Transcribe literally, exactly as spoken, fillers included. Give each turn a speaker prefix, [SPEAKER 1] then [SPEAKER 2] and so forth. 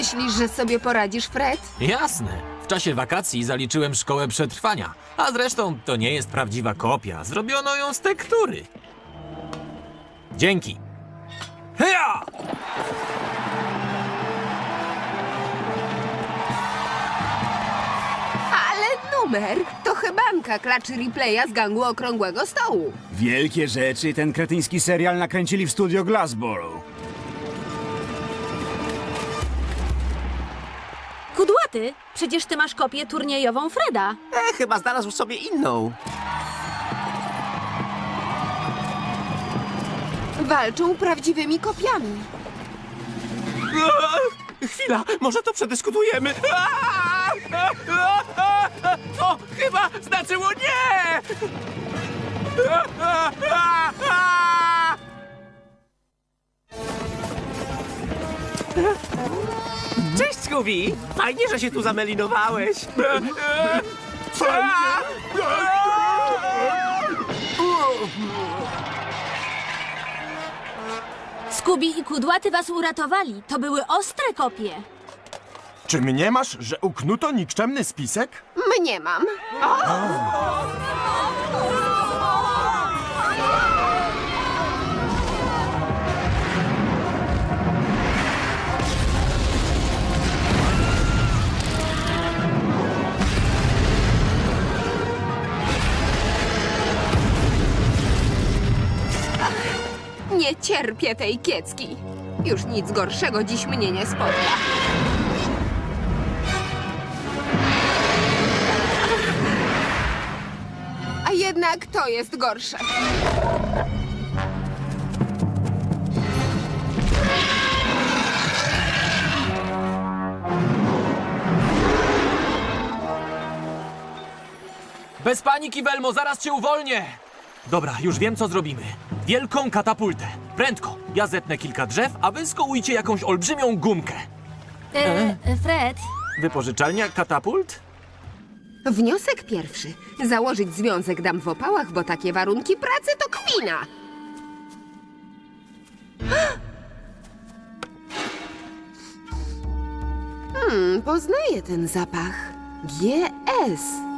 [SPEAKER 1] Myślisz, że sobie poradzisz, Fred?
[SPEAKER 2] Jasne. W czasie wakacji zaliczyłem szkołę przetrwania. A zresztą to nie jest prawdziwa kopia. Zrobiono ją z tektury. Dzięki. Heja!
[SPEAKER 1] Ale numer to chybanka klaczy replaya z gangu Okrągłego Stołu.
[SPEAKER 3] Wielkie rzeczy ten kretyński serial nakręcili w studio Glassboro.
[SPEAKER 4] Kudłaty, przecież ty masz kopię turniejową Freda.
[SPEAKER 5] E, chyba znalazł sobie inną.
[SPEAKER 1] Walczą prawdziwymi kopiami.
[SPEAKER 5] Chwila, może to przedyskutujemy. To chyba znaczyło nie! Cześć, Scooby! Fajnie, że się tu zamelinowałeś.
[SPEAKER 4] Scooby i Kudłaty was uratowali. To były ostre kopie.
[SPEAKER 6] Czy mnie masz, że uknuto nikczemny spisek?
[SPEAKER 1] Mnie mam. Nie cierpię tej kiecki. Już nic gorszego dziś mnie nie spotka. A jednak to jest gorsze.
[SPEAKER 2] Bez paniki, Velmo, zaraz cię uwolnię! Dobra, już wiem, co zrobimy. Wielką katapultę. Prędko. Ja zetnę kilka drzew, a wy skołujcie jakąś olbrzymią gumkę.
[SPEAKER 4] E, e, Fred,
[SPEAKER 2] Wypożyczalnia katapult?
[SPEAKER 1] Wniosek pierwszy. Założyć związek dam w opałach, bo takie warunki pracy to kpina. Hmm, poznaję ten zapach. G S.